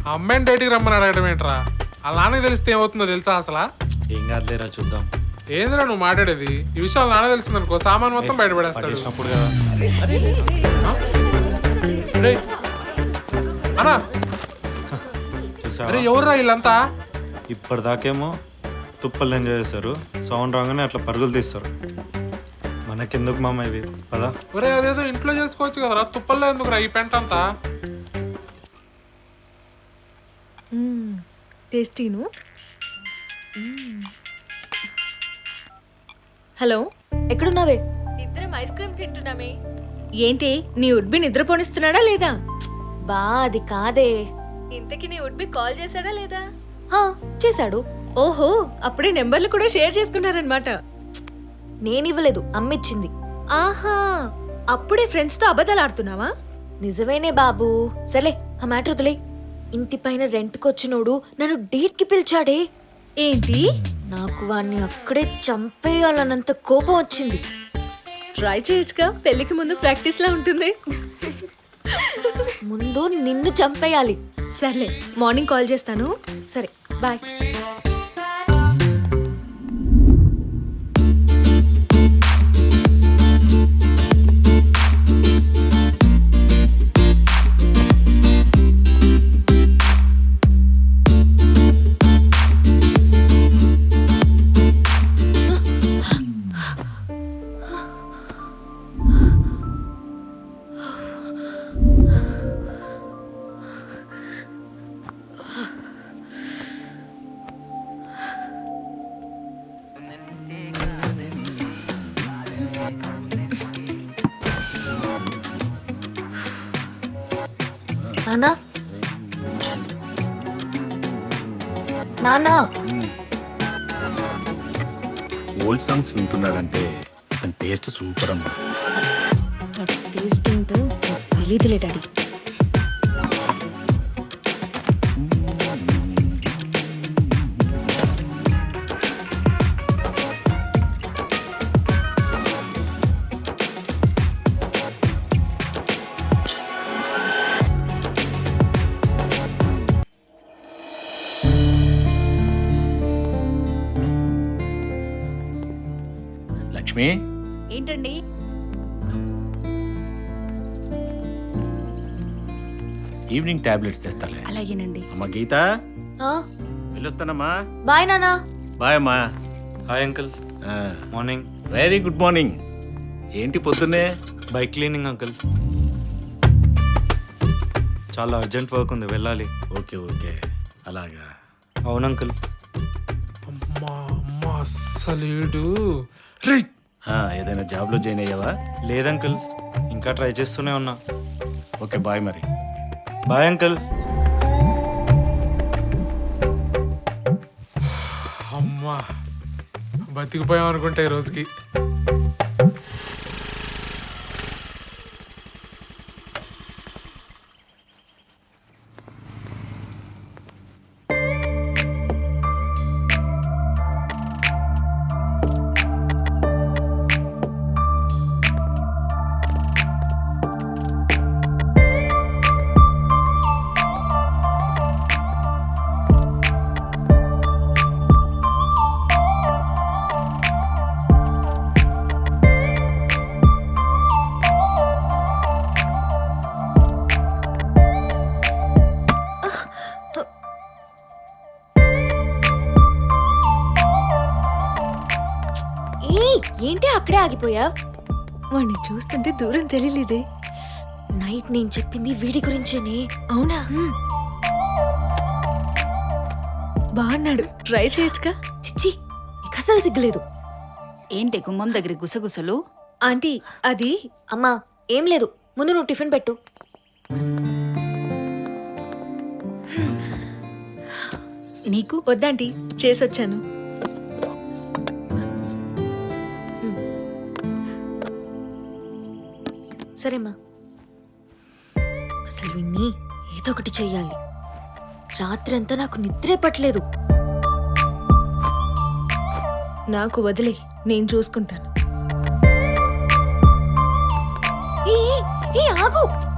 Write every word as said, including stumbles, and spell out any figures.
అమ్మాయిని డేటికి రమ్మని అడగడం ఏంట్రా? వాళ్ళ నాన్నకి తెలిస్తే ఏమవుతుందో తెలుసా అసలు? ఏం కాదులేరా చూద్దాం. ఏందిరా నువ్వు మాట్లాడేది? ఈ విషయాలు నాన్న తెలిసిందనుకో సామాన్ మొత్తం బయటపడేస్తాడు. పట్టేసినప్పుడు కదా. రేయ్, అన్నా చూసావా? అరే ఎవర్రా వీళ్ళంతా? ఇప్పటిదాకేమో తుప్పలు ఎంజాయ్ చేస్తారు, సౌండ్ రాగానే అట్లా పరుగులు తీస్తారు. మనకెందుకు మామ ఇవి పదా. ఒరే అదేదో ఇంట్లో చేసుకోవచ్చు కదరా, తుప్పల్లో ఎందుకురా ఈ పెంట అంతా? టేస్టీను. హలో, ఎక్కడున్నావే? ఇద్దరం ఐస్ క్రీమ్ తింటున్నామే. ఏంటి నీ ఉడ్బి నిద్రపోనిస్తున్నాడా లేదా? బా అది కాదే. ఇంతకి నీ ఉడ్బి కాల్ చేశాడా లేదా? హా, చేశాడు. ఓహో, అప్పుడే నెంబర్లు కూడా షేర్ చేసుకున్నారనమాట. నేనివ్వలేదు, అమ్మిచ్చింది. ఆహా, అప్పుడే ఫ్రెండ్స్ తో అబద్ధాలు ఆడుతున్నావా? నిజమేనే బాబు. సర్లే ఆ మ్యాటర్ వదిలే. ఇంటి పైన రెంట్కొచ్చినోడు నన్ను డేట్ కి పిలిచాడే. ఏంటి? నాకు వాణ్ణి అక్కడే చంపేయాలన్నంత కోపం వచ్చింది. ట్రై చేయొచ్చుగా, పెళ్లికి ముందు ప్రాక్టీస్ లా ఉంటుంది. ముందు నిన్ను చంపేయాలి. సర్లే, మార్నింగ్ కాల్ చేస్తాను. సరే బాయ్. నానా నానా ఓల్డ్ సాంగ్స్ వింటున్నాడంటే దాని టేస్ట్ సూపర్ అమ్మా. టేస్ట్ ఏంటో తెలీదులే డాడీ. లక్ష్మి, ఏంటండి? ఈవినింగ్ టాబ్లెట్స్ తెస్తాలే. అలాగేనండి. అమ్మ గీత, వెళ్ళొస్తానమ్మా. బాయ్ నానా. బాయ్ అమ్మా. Hi uncle. Morning. Very good morning. ఏంటి పొద్దున్నే? Bike cleaning uncle. చాలా అర్జెంట్ వర్క్ ఉంది, వెళ్ళాలి. ఓకే ఓకే, అలాగా. అవును అంకుల్. అమ్మా అమ్మా అస్సలేడు. రేయ్, ఆ, ఏదైనా జాబ్లో జాయిన్ అయ్యావా? లేదంకుల్, ఇంకా ట్రై చేస్తూనే ఉన్నా. ఓకే బాయ్ మరి. Bye uncle. అమ్మా బతికిపోయాం అనుకుంటా ఈ రోజుకి. ఏంటి అక్కడే ఆగిపోయా? వాడిని చూస్తుంటే దూరం తెలియలేదే. నైట్ నేను చెప్పింది వీడి గురించేనే. అవునా? బాగున్నాడు, ట్రై చేయొచ్చుగా. చిచ్చి, నీకు అసలు సిగ్గులేదు. ఏంటి గుమ్మం దగ్గర గుసగుసలు? ఆంటీ అది. అమ్మా ఏం లేదు, ముందు నువ్వు టిఫిన్ పెట్టు. నీకు వద్దాంటీ, చేసొచ్చాను. సరేమ్మా. అసలు విన్ని ఏదో ఒకటి చెయ్యాలి. రాత్రి అంతా నాకు నిద్రే పట్టలేదు. నాకు వదిలే, నేను చూసుకుంటాను. ఏ ఏ, ఏ ఆగు.